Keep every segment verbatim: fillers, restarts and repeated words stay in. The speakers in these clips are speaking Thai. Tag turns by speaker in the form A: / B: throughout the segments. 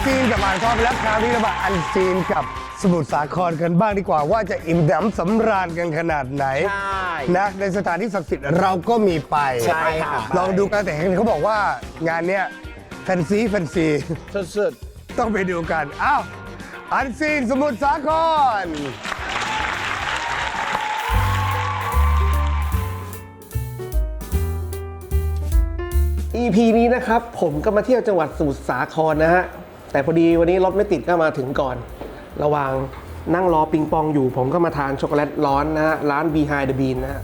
A: ซีนกับอ่างทองไปแล้วคราวนี้เรามาอันซีนกับสมุทรสาครกันบ้างดีกว่าว่าจะอิ่มหนำสำราญกันขนาดไหนนะในสถานที่ศักดิ์สิทธิ์เราก็มีไปใช่ค่ะลองดูกันแต่เห็นเขาบอกว่างานเนี้ยแฟนซีแฟนซีสุดๆต้องไปดูกันอ้าวอันซีนสมุทรสาคร
B: อี พี นี้นะครับผมก็มาเที่ยวจังหวัดสมุทรสาครนะฮะแต่พอดีวันนี้รถไม่ติดก็มาถึงก่อนระหว่างนั่งรอปิงปองอยู่ผมก็มาทานช็อกโกแลตร้อนนะฮะร้าน Behind the Bean นะฮะ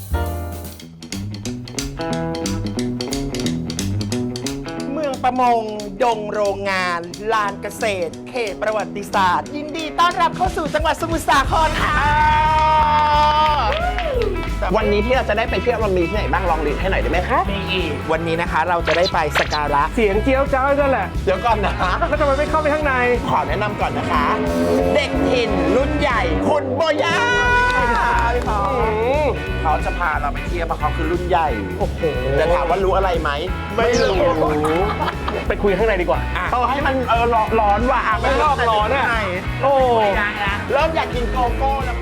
C: เมืองประมงดงโรงงานลานเกษตรเขตประวัติศาสตร์ยินดีต้อนรับเข้าสู่จังหวัดสมุทรสาครค่ะวันนี้ที่เราจะได้ไปเที่ยวมันมีที่ไหนบ้างลองลิสต์ให้หน่อยได้ไหมคะมีอีกวันนี้นะคะเราจะได้ไปสักการะ
B: เสียงเจียวจ้าวนั่นแหละ
C: เดี๋ยวก่อนนะ
B: แล้วทำไมไม่เข้าไปข้างใน
C: ขอแนะนำก่อนนะคะ เด็กถิ่นรุ่นใหญ่คุณโบย่าเขาจะพาเราไปเที่ยวเพราะเขาคือรุ่นใหญ่โอ้โหแต่ถามว่ารู้อะไรไหมไม่รู้
B: ไปคุยข้างในดีกว่า
C: เอาให้มันเออร้อนว่ะ
B: ไม่รอบร้อนอ่ะโอ้
C: เริ่มอยากกินโกโก้แล้ว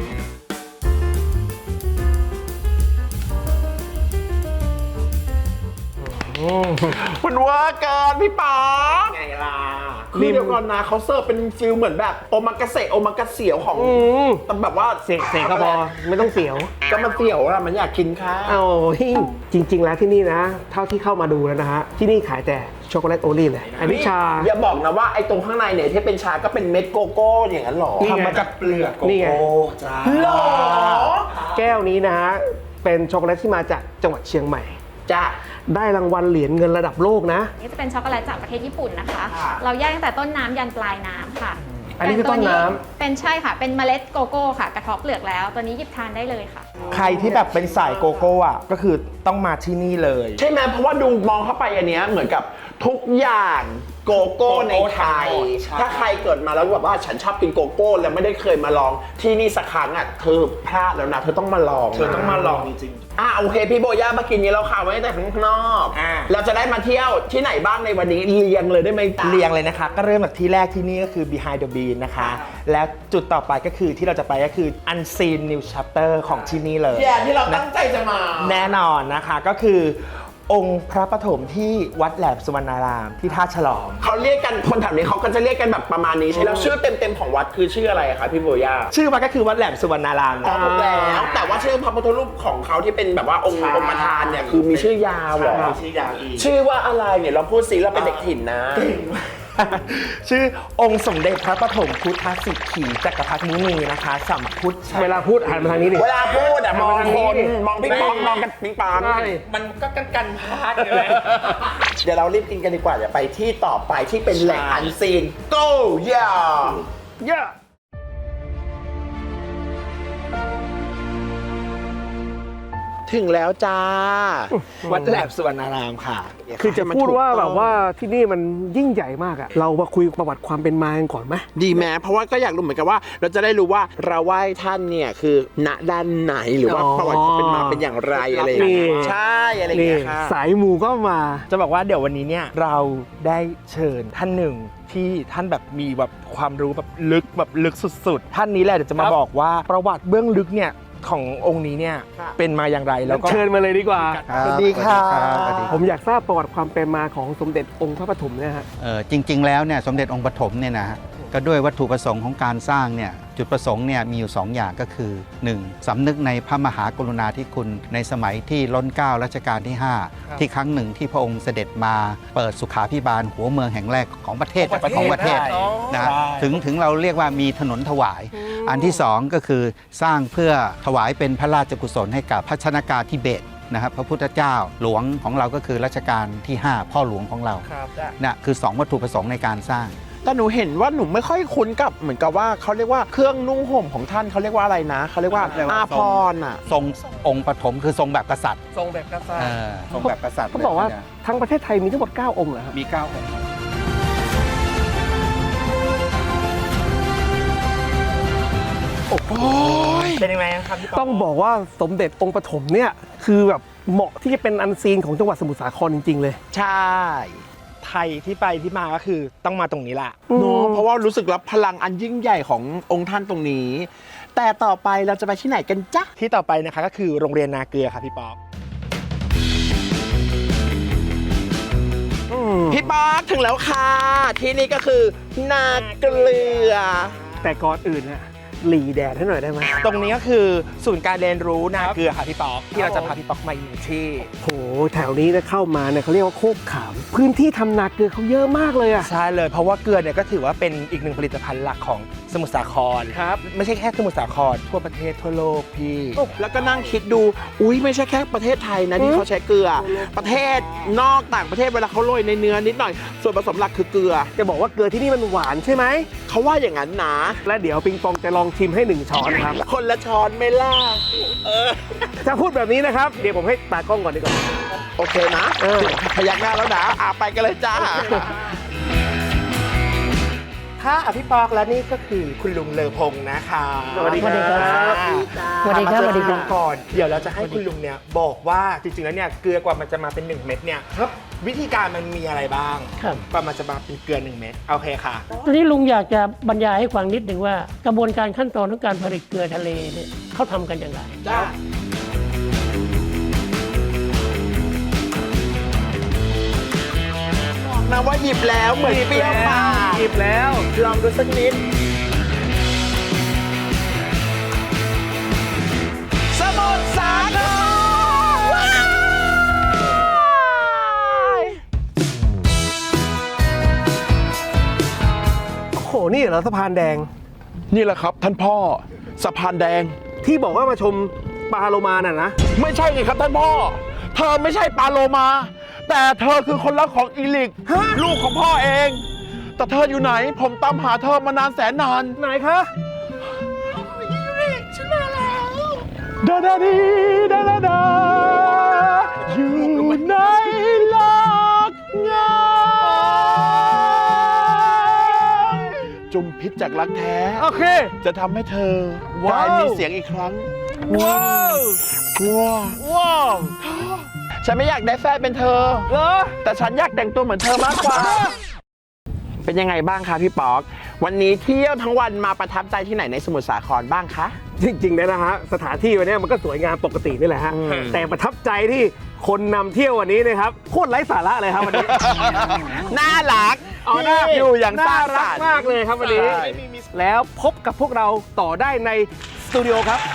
C: มันว่าเกินพี่ป๋อไงล่ะคือเดี๋ยวก่อนนะเขาเสิร์ฟเป็นฟิลเหมือนแบบโอมากาเสะโอมากาเสียวของแต่แบบว่า
B: เสกเสกก็พอไม่ต้องเสียว
C: ก็มันเสียวอะมันอยากกินค่ะ
B: เอาจริงๆแล้วที่นี่นะเท่าที่เข้ามาดูแล้วนะฮะที่นี่ขายแต่ช็อกโกแลตโอลี่เลยอันนี้ชา
C: อย่าบอกนะว่าไอ้ตรงข้างในเนี่ยที่เป็นชาก็เป็นเม็ดโกโก้อย่างนั้นหรอทำมาจากเปลือกโกโก้จ้าหรอ
B: แก้วนี้นะฮะเป็นช็อกโกแลตที่มาจากจังหวัดเชียงใหม่
C: จ้า
B: ได้รางวัลเหรียญเงินระดับโลกนะ
D: นี่จะเป็นช็อกโกแลตจากประเทศญี่ปุ่นนะคะเราแยกตั้งแต่ต้นน้ำยันปลายน้ำค่ะ
B: อันนี้คือต้นน้ำ
D: เป็นใช่ค่ะเป็นเมล็ดโกโก้ค่ะกระเทาะเปลือกแล้วตัวนี้หยิบทานได้เลยค่ะ
C: ใครที่แบบเป็นสายโกโก้อ่ะก็คือต้องมาที่นี่เลยใช่ไหมเพราะว่าดูมองเข้าไปอันเนี้ยเหมือนกับทุกอย่างโกโก้ในไทยถ้าใครเกิดมาแล้วแบบว่าฉันชอบกินโกโก้แล้วไม่ได้เคยมาลองที่นี่สักครั้งอ่ะเธอพลาดแล้วนะเธอต้องมาลอง
E: เธอต้องมาลองจริง
C: ๆอ่ะโอเคพี่โบย่ามากินนี้เราข่าวไว้แต่ข้างนอกเราจะได้มาเที่ยวที่ไหนบ้างในวันนี้เรียงเลยได้ไหมเรียงเลยนะคะก็เริ่มจากที่แรกที่นี่ก็คือ Behind the Bean นะคะแล้วจุดต่อไปก็คือที่เราจะไปก็คือ Unseen New Chapter ของที่นี่เลยที่เราตั้งใจจะมาแน่นอนนะคะก็คือองค์พระปฐมที่วัดแหลมสุวรรณารามที่ท่าฉลอมเขาเรียกกันคนแถวนี้เขาก็จะเรียกกันแบบประมาณนี้ใช่แล้วชื่อเต็มๆของวัดคือชื่ออะไรคะพี่โบย่าชื่อวัดก็คือวัดแหลมสุวรรณารามนะแล้วแต่ว่าชื่อพระพุทธรูปของเขาที่เป็นแบบว่าองค์องค์ประธานเนี่ยคือมีชื่อยาวเหรอ
E: ชื่อยาวอีก
C: ชื่อว่าอะไรเนี่ยเราพูดสิเราเป็นเด็กถิ่นนะชื่อองค์สมเด็จพระปฐมพุทธสิกขีจักรพรรดิมุนีนะคะสัมพุทธ
B: เวลาพูดหันมาทางนี้ดิ
C: เวลาพูดอะมองคนมองพี่ปองมองกันพี่ปอง
E: มันก็กันกันพลาดเลย
C: เดี๋ยวเรารีบกินกันดีกว่าเดี๋ยวไปที่ต่อไปที่เป็นแหล่งอันซีน go yeah
B: yeah
C: ถึงแล้วจ้าวัดแหลมสุวรรณารามค่ะ
B: คือจะพูดว่าแบบว่าที่นี่มันยิ่งใหญ่มากอะเรามาคุยประวัติความเป็นมากันก่อนไหม
C: ดีแม้เพราะว่าก็อยากรู้เหมือนกันว่าเราจะได้รู้ว่าเราไหว้ท่านเนี่ยคือณด้านไหนหรือว่าประวัติความเป็นมาเป็นอย่างไรอะไรอย่างเงี้ยใช่อะไรอย่างเงี้ยค่ะ
B: สายมูก็มา
C: จะบอกว่าเดี๋ยววันนี้เนี่ยเราได้เชิญท่านหนึ่งที่ท่านแบบมีแบบความรู้แบบลึกแบบลึกสุดๆท่านนี้แหละเดี๋ยวจะมาบอกว่าประวัติเบื้องลึกเนี่ยขององค์นี้เนี่ยเป็นมาอย่างไรแล้วก็
B: เชิญมาเลยดีกว่า
C: สวัสดีค่ะ
B: ผมอยากทราบประวัติความเป็นมาของสมเด็จองค์พระปฐมเนี่ยฮะ
F: จริงๆแล้วเนี่ยสมเด็จองค์ปฐมเนี่ยนะก็ด้วยวัตถุประสงค์ของการสร้างเนี่ยจุดประสงค์เนี่ยมีอยู่สองอย่างก็คือ หนึ่ง สำนึกในพระมหากรุณาธิคุณในสมัยที่ล้นเกล้ารัชกาลที่ห้าที่ครั้งหนึ่งที่พระองค์เสด็จมาเปิดสุขาภิบาลหัวเมืองแห่งแรกของประเทศของประเทศนะถึงถึงเราเรียกว่ามีถนนถวายอันที่สองก็คือสร้างเพื่อถวายเป็นพระราชกุศลให้กับพระชนกาธิเบศรนะครับพระพุทธเจ้าหลวงของเราก็คือรัชกาลที่ห้าพ่อหลวงของเรานะคือสองวัตถุประสงค์ในการสร้าง
C: แต่หนูเห็นว่าหนูไม่ค่อยคุ้นกับเหมือนกับว่าเขาเรียกว่าเครื่องนุ่งห่มของท่านเขาเรียกว่าอะไรนะเขาเรียกว่าอาภรณ์อ่ะ
F: ทรงองค์ปฐมคือทรงแบบกษัตริย์
B: ทรงแบบกษัตริย์
F: ทรงแบบกษัตริย์
B: เขาบอกว่าทั้งประเทศไทยมีทั้งหมดเก้าองค์เหรอครับ
F: มีเก้าองค์
B: โอ้โหเป็นยังไงครับต้องบอกว่าสมเด็จองค์ปฐมเนี่ยคือแบบเหมาะที่จะเป็นอันซีนของจังหวัดสมุทรสาครจริงๆเลย
C: ใช่ไทยที่ไปที่มาก็คือต้องมาตรงนี้แหละเนาะเพราะว่ารู้สึกรับพลังอันยิ่งใหญ่ขององค์ท่านตรงนี้ แต่ต่อไปเราจะไปที่ไหนกันจ๊ะที่ต่อไปนะคะก็คือโรงเรียนนาเกลือค่ะพี่ป๊อกพี่ป๊อกถึงแล้วค่ะที่นี่ก็คือนาเกลือ
B: แต่ก่อนอื่นนะหลีแดดให้หน่อยได้ไหม
C: ตรงนี้ก็คือศูนย์การเรียนรู้นาเกลือค่ะพี่ป๊อกที่เราจะพาพี่ป๊อกมาอยู่ที่
B: โหแถวนี้นะเข้ามาเนี่ยเขาเรียกว่าโคกขาม พื้นที่ทำนาเกลือเขาเยอะมากเลยอะ
C: ใช่เลยเพราะว่าเกลือเนี่ยก็ถือว่าเป็นอีกหนึ่งผลิตภัณฑ์หลักของสมุทรสาคร
B: ครับ
C: ไม่ใช่แค่สมุทรสาครทั่วประเทศทั่วโลกพี่แล้วก็นั่งคิดดูอุ้ยไม่ใช่แค่ประเทศไทยนะที่เขาใช้เกลือ ประเทศนอกต่างประเทศเวลาเขาโรยในเนื้อนิดหน่อยส่วนผสมหลักคือเกลือ
B: จะบอกว่าเกลือที่นี่มันหวานใช่ไหม
C: เขาว่าอย่างนั้นนะ
B: และเดี๋ยวปิงปองจะลองชิมให้หนึ่งช้อนครับ
C: คนละช้อนไม่ล่ะเออ
B: จะพูดแบบนี้นะครับ เดี๋ยวผมให้ตากล้องก่อนดีกว่า
C: โอเคนะ
B: เออ
C: พยักหน้าแล้วนะอ่ะไปกันเลยจ้าค่ะอภิปอกและนี่ก็คือคุณลุงเลอพงษ์นะคะ
B: สวัสดีครับ
C: สวัสดีครับสวัสดีครับก่อนเดี๋ยวเราจะให้คุณลุงเนี่ยบอกว่าจริงๆแล้วเนี่ยเกลือกว่ามันจะมาเป็นหนึ่งเม็ดเนี่ยครับวิธีการมันมีอะไรบ้าง
G: ครับ
C: กว่ามันจะมาเป็นเกลือหนึ่งเม็ดโอเคค่ะ
G: ตอนนี้ลุงอยากจะบรรยายให้ฟังนิดหนึ่งว่ากระบวนการขั้นตอนของการผลิตเกลือทะเลเนี่ยเขาทำกันอย่างไร
C: จ้าบอกนะว่าหยิบแล้วเหมือนเปรี้ยวปาก
B: หยิบแล้ว
C: ลองดูสักนิดสมุทรสาครว้าย
B: โอ้โห นี่เหรอสะพานแดง
C: นี่แหละครับท่านพ่อสะพานแดง
B: ที่บอกว่ามาชมปลาโลมาน่ะนะ
C: ไม่ใช่ไงครับท่านพ่อ เธอไม่ใช่ปลาโลมา แต่เธอคือคนรักของอีลิกลูกของพ่อเอง แต่เธออยู่ไหน ผมตามหาเธอมานานแสนนาน
B: ไหนคะ
C: อีลิกฉันมาแล้วดาดาดีดาดาดาอยู่ในโลกเงาจุมพิษจากรักแท้
B: โอเค
C: จะทำให้เธอวายมีเสียงอีกครั้ง
B: ว้าว
C: ว้าว
B: ว้าว
C: ฉันไม่อยากได้แฟนเป็นเธอ
B: เหรอ
C: แต่ฉันอยากแต่งตัวเหมือนเธอมากกว่า เป็นยังไงบ้างคะพี่ป๊อก วันนี้เที่ยวทั้งวันมาประทับใจที่ไหนในสมุทรสาครบ้างคะ
B: จริงๆนะฮะสถานที่วันนี้มันก็สวยงามปกตินี่แหละฮะ
C: อืม
B: แต่ประทับใจที่คนนำเที่ยววันนี้นะครับโคตรไร้สาระเลยครับวันนี้
C: น่ารัก
B: อ๋อน่า
C: อยู่อย่างสร้างส
B: รั
C: ร
B: ก
C: รค์
B: มากเลยครับวันนี้
C: ใช่
B: แล้วพบกับพวกเราต่อได้ในสตูดิโอครับ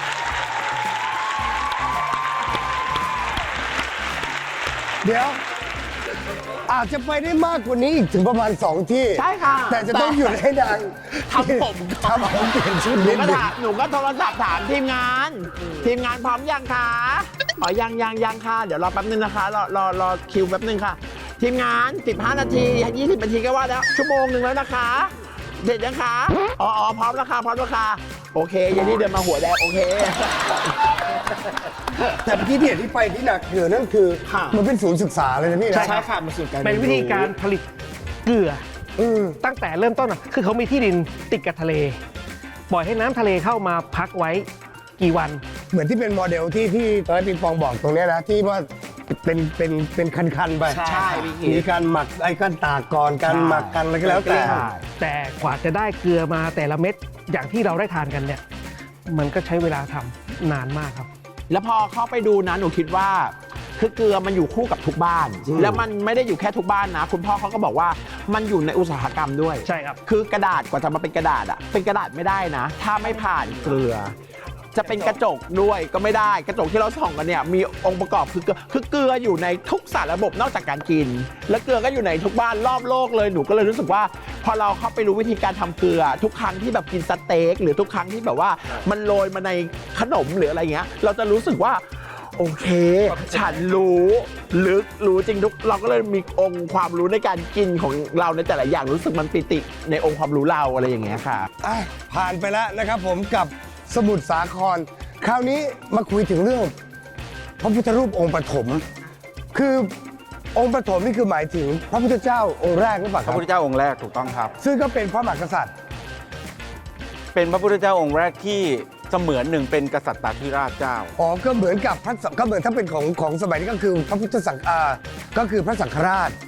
A: เดี๋ยว อาจจะไปได้มากกว่านี้อีกถึงประมาณสองที่
C: ใช่ค่ะ
A: แต่จะต้องหยุดให้นาง
C: ทำผมก่อน
A: ทำผมเปลี่ยนชุด
C: หนู
A: นิด
C: ก็
A: หนึง
C: ถามหนูก็โทรศัพท์ถามทีมงาน ทีมงานพร้อมยังคะอ๋อยังยังยังค่ะ เดี๋ยวรอแป๊บนึงนะคะ รอรอรอคิวแป๊บนึงค่ะ ทีมงาน สิบห้า นาที ยี่สิบ นาทีก็ว่าแล้ว ชั่วโมงหนึ่งแล้วนะคะ เสร็จยังคะ อ๋ออ๋อพร้อมแล้วค่ะ พร้อมแล้วค่ะ โอเคเยันนี่เดินมาหัวแดงโอเค
A: แต่ที่เดียที่ไปที่หนักเหนือนั่นคือ
C: ค่ะ
A: มันเป็นศูนย์ศึกษาเลยนะพี่นะ
C: ใช่ค่ะมันสู่การ
B: เป็นวิธีการผลิตเกลือ
A: อืม
B: ตั้งแต่เริ่มต้นอ่ะคือเขามีที่ดินติดกับทะเล ปล่อยให้น้ำทะเลเข้ามาพักไว้กี่วัน
A: เหมือนที่เป็นโมเดลที่ที่ตอนนนปิงปองบอกตรงเนี้ยนะที่ว่าเป็นเป็นเป็นคันๆไป
C: ใช่พี่
A: มีการหมักไอ้การตากก่อนการหมักกันอะไรก็แล้วแต่
B: แต่กว่าจะได้เกลือมาแต่ละเม็ดอย่างที่เราได้ทานกันเนี่ย มันก็ใช้เวลาทำนานมากครับ
C: แล้วพอเข้าไปดูนะหนูคิดว่าคือเกลือมันอยู่คู่กับทุกบ้าน แล้วมันไม่ได้อยู่แค่ทุกบ้านนะ คุณพ่อเขาก็บอกว่ามันอยู่ในอุตสาหกรรมด้วย
B: ใช่ครับ
C: คือกระดาษกว่าจะมาเป็นกระดาษอะเป็นกระดาษไม่ได้นะ ถ้าไม่ผ่านเกลือ จะเป็นกระจกด้วยก็ไม่ได้กระจกที่เราส่องกันเนี่ยมีองค์ประกอบคือเกลือคือเกลืออยู่ในทุกสารระบบนอกจากการกิน และเกลือก็อยู่ในทุกบ้านรอบโลกเลยหนูก็เลยรู้สึกว่า พอเราเข้าไปรู้วิธีการทำเกลือ ทุกครั้งที่แบบกินสเต็กหรือทุกครั้งที่แบบว่ามันโรยมาในขนมหรืออะไรเงี้ยเราจะรู้สึกว่าโอเค ฉันรู้ลึกรู้จริงทุกเราก็เลยมีองค์ความรู้ในการกินของเราในแต่ละอย่างรู้สึกมันปิติในองค์ความรู้เราอะไรอย่างเงี้ยค่ะ
A: อ่ะผ่านไปแล้วนะครับผมกับสมุทรสาคร คราวนี้มาคุยถึงเรื่องพระพุทธรูปองค์ปฐมคือองค์ปฐมนี่คือหมายถึงพระพุทธเจ้าองค์แรกหรือเปล่าค
F: พ
A: รั
F: ระ
A: บ
F: พุทธเจ้าองค์แรกถูกต้องครับ
A: ซึ่งก็เป็นพระมหากษัตริย์
F: เป็นพระพุทธเจ้าองค์แรกที่เสมือนหนึ่งเป็นกษัตริย์ราชเจ้า
A: อ๋อก็เหมือนกับพระก็เหมือนถ้าเป็นของของสมัยนี้ก็คือพระพุทธสังฆาก็คือพระสังฆราช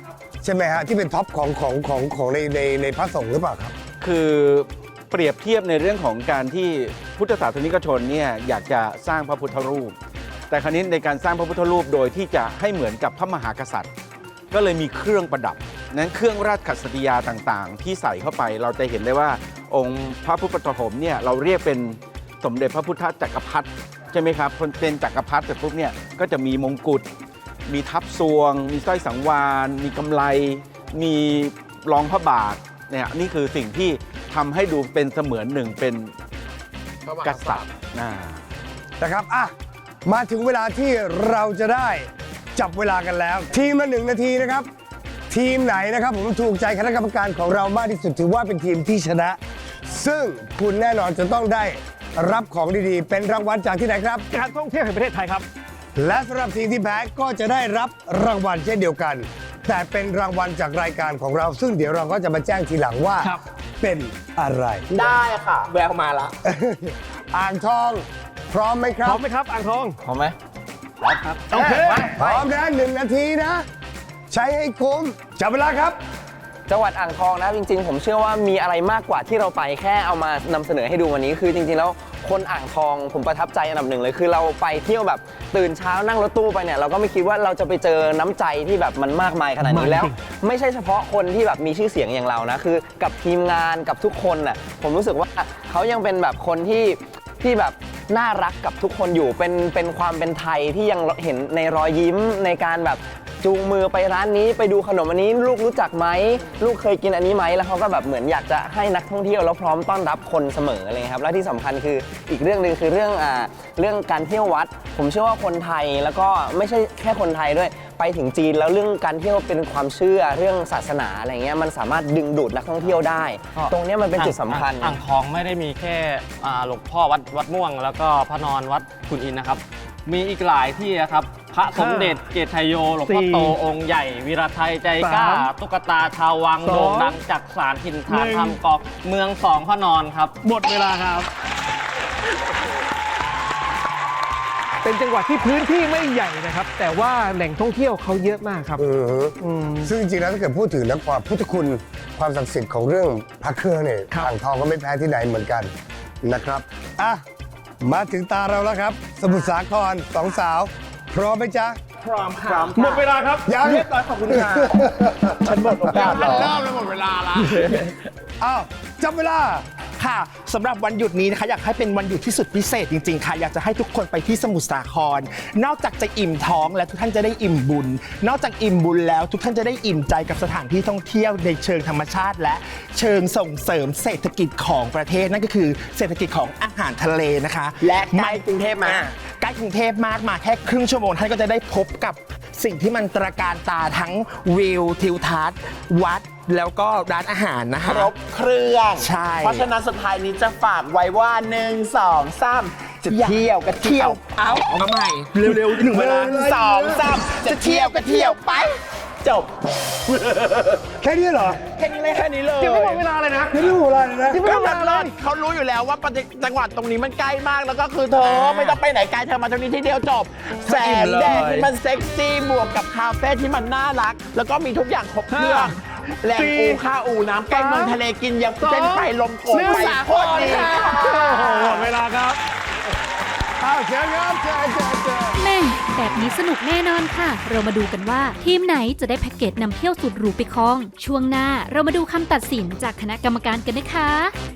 A: ใช่ไหมฮะที่เป็นท็อปของของของของในในในพระสงฆ์หรือเปล่าครับ
H: คือเปรียบเทียบในเรื่องของการที่พุทธศาสนิกชนเนี่ยอยากจะสร้างพระพุทธรูป แต่คราวนี้ในการสร้างพระพุทธรูปโดยที่จะให้เหมือนกับพระมหากษัตริย์ ก็เลยมีเครื่องประดับนั้นเครื่องราชขัสติยาต่างๆ ที่ใส่เข้าไปเราจะเห็นได้ว่าองค์พระพุทธปฐมเนี่ยเราเรียกเป็นสมเด็จพระพุทธจักรพรรดิใช่ไหมครับคนเป็นจักรพรรดิแต่ปุ๊บเนี่ยก็จะมีมงกุฎมีทับซวง มีสร้อยสังวาลมีกำไลมีรองพระบาทเนี่ยนี่คือสิ่งที่ทำให้ดูเป็นเสมือนหนึ่งเป็นกษัตริย์นะ
A: นะครับอ่ะมาถึงเวลาที่เราจะได้จับเวลากันแล้ว ทีมละหนึ่งนาทีนะครับ ทีมไหนนะครับผมถูกใจคณะกรรมการของเรามากที่สุดถือว่าเป็นทีมที่ชนะ ซึ่งคุณแน่นอนจะต้องได้รับของดีๆ เป็นรางวัลจากที่ไหนครับ
B: การท่องเที่ยวแห่งประเทศไทยครับ
A: และสำหรับทีมที่แพ้ก็จะได้รับรางวัลเช่นเดียวกัน แต่เป็นรางวัลจากรายการของเรา ซึ่งเดี๋ยวเราก็จะมาแจ้งทีหลังว่า
B: ครับ
A: เป็นอะไร
C: ได้ค่ะ แววมาละ
A: อ่างทอง พร้อมไหมค
B: พ
A: รั
B: ร้อบ มไหมครับอ่างทอง
C: พร้อมไหม
B: โอเค
A: พร้อมนะหนึ่งนาทีนะ ใช้ให้คุ้มจับเวลาครับ
I: จังหวัดอ่างทองนะจริงๆ ผมเชื่อว่ามีอะไรมากกว่าที่เราไปแค่เอามานำเสนอให้ดูวันนี้คือจริงๆแล้วคนอ่างทองผมประทับใจอันดับหนึ่งเลยคือเราไปเที่ยวแบบตื่นเช้านั่งรถตู้ไปเนี่ยเราก็ไม่คิดว่าเราจะไปเจอน้ำใจที่แบบมันมากมายขนาดนี้แล้ว ไม่ใช่เฉพาะคนที่แบบมีชื่อเสียงอย่างเรานะคือกับทีมงานกับทุกคนน่ะผมรู้สึกว่าเขายังเป็นแบบคนที่ที่แบบน่ารักกับทุกคนอยู่เป็นเป็นความเป็นไทยที่ยังเห็นในรอยยิ้มในการแบบจูงมือไปร้านนี้ไปดูขนมอันนี้ลูกรู้จักไหมลูกเคยกินอันนี้ไหมแล้วเขาก็แบบเหมือนอยากจะให้นักท่องเที่ยวแล้วพร้อมต้อนรับคนเสมออะไรครับและที่สำคัญคืออีกเรื่องหนึ่งคือเรื่องอ่าเรื่องการเที่ยววัด ผมเชื่อว่าคนไทยแล้วก็ไม่ใช่แค่คนไทยด้วยไปถึงจีนแล้วเรื่องการเที่ยวเป็นความเชื่อเรื่องศาสนาอะไรเงี้ยมันสามารถดึงดูดนักท่องเที่ยวได้ ตรงเนี้ยมันเป็นจุดสำคัญ
E: อ่างทองไม่ได้มีแค่อ่าหลวงพ่อวัดวัดม่วง แล้วก็พระนอนวัดขุนอินทร์นะครับ มีอีกหลายที่นะครับ พระสมเด็จเกตชัยโยหลวงพ่อโตองค์ใหญ่วีระไทยใจกล้า ตุ๊กตาชาววังโด่งดังจากสารถิ่นฐานทำกอกเมืองสองพระนอนครับ
B: หมดเวลาครับ เป็นจังหวัดที่พื้นที่ไม่ใหญ่นะครับ แต่ว่าแหล่งท่องเที่ยวเขาเยอะมากครับ
A: อือฮึ
B: อืม
A: ซึ่งจริงๆแล้วถ้าเกิดพูดถึงนะความพุทธคุณความศักดิ์สิทธิ์ของเรื่องพระเครื่องเนี่ย
B: ครับ
A: อ่างทองก็ไม่แพ้ที่ไหนเหมือนกันนะครับอ่ะมาถึงตาเราแล้วครับ สมุทรสาครสองสาว พร้อมไหมจ๊ะ
C: พร้อมค่ะ
B: หมดเวลาครับ
A: ยัง
C: เรียบร้อยขอบคุณค่ะ ฉันหมดโอกาสแล้วเริ่มแล้วหมดเวลาละ
A: อ้าวจับเวลา
C: ค่ะสำหรับวันหยุดนี้นะคะอยากให้เป็นวันหยุดที่สุดพิเศษจริงๆค่ะอยากจะให้ทุกคนไปที่สมุทรสาคร นอกจากจะอิ่มท้องแล้วทุกท่านจะได้อิ่มบุญ นอกจากอิ่มบุญแล้วทุกท่านจะได้อิ่มใจกับสถานที่ท่องเที่ยวในเชิงธรรมชาติ และเชิงส่งเสริมเศรษฐกิจของประเทศนั่นก็คือเศรษฐกิจของอาหารทะเลนะคะ
I: และใกล้กรุงเทพมาก
C: อ่ใกล้กรุงเทพมากมาแค่ครึ่งชั่วโมงท่านก็จะได้พบกับสิ่งที่มันตระการตาทั้งวิวทิวทัศน์วัดแล้วก็ร้านอาหารนะคะครบเครื่องใช่เพราะฉะนั้นสุดท้ายนี้จะฝากไว้ว่าหนึ่งสองสามจะเที่ยวก็เที่ยวเอาเอาใหม่เร็วๆหนึ่งเวลาสองสามจะเที่ยวก็เที่ยวไปจบ
A: แค่นี้เหรอ
C: แค่นี้เลยแค่นี้เลย
B: ยังไม่หมดเวลาเลยนะ
A: แค่นี้หมดเวลาเลยนะ
C: ก็มันเลิศเขารู้อยู่แล้วว่าประเทศจังหวัดตรงนี้มันใกล้มากแล้วก็คือเธอไม่ต้องไปไหนไกลเธอมาตรงนี้ที่เดียวจบแสงแดดที่มันเซ็กซี่บวกกับคาเฟ่ที่มันน่ารัก แล้วก็มีทุกอย่างครบเครื่องแหล่งอูข้าวอูน้ำใกล้เมืองทะเลกินยำเส้นไปลมโกงไปโคตรดีค่ะ
B: โอ้โหหมดเวลาครับ
A: อ้าวเชิญครับเชิญเชิญเชิญ
J: แม่แบบนี้สนุกแน่นอนค่ะ เรามาดูกันว่าทีมไหนจะได้แพ็กเกจนำเที่ยวสุดหรูไปครอง ช่วงหน้าเรามาดูคำตัดสินจากคณะกรรมการกันนะคะ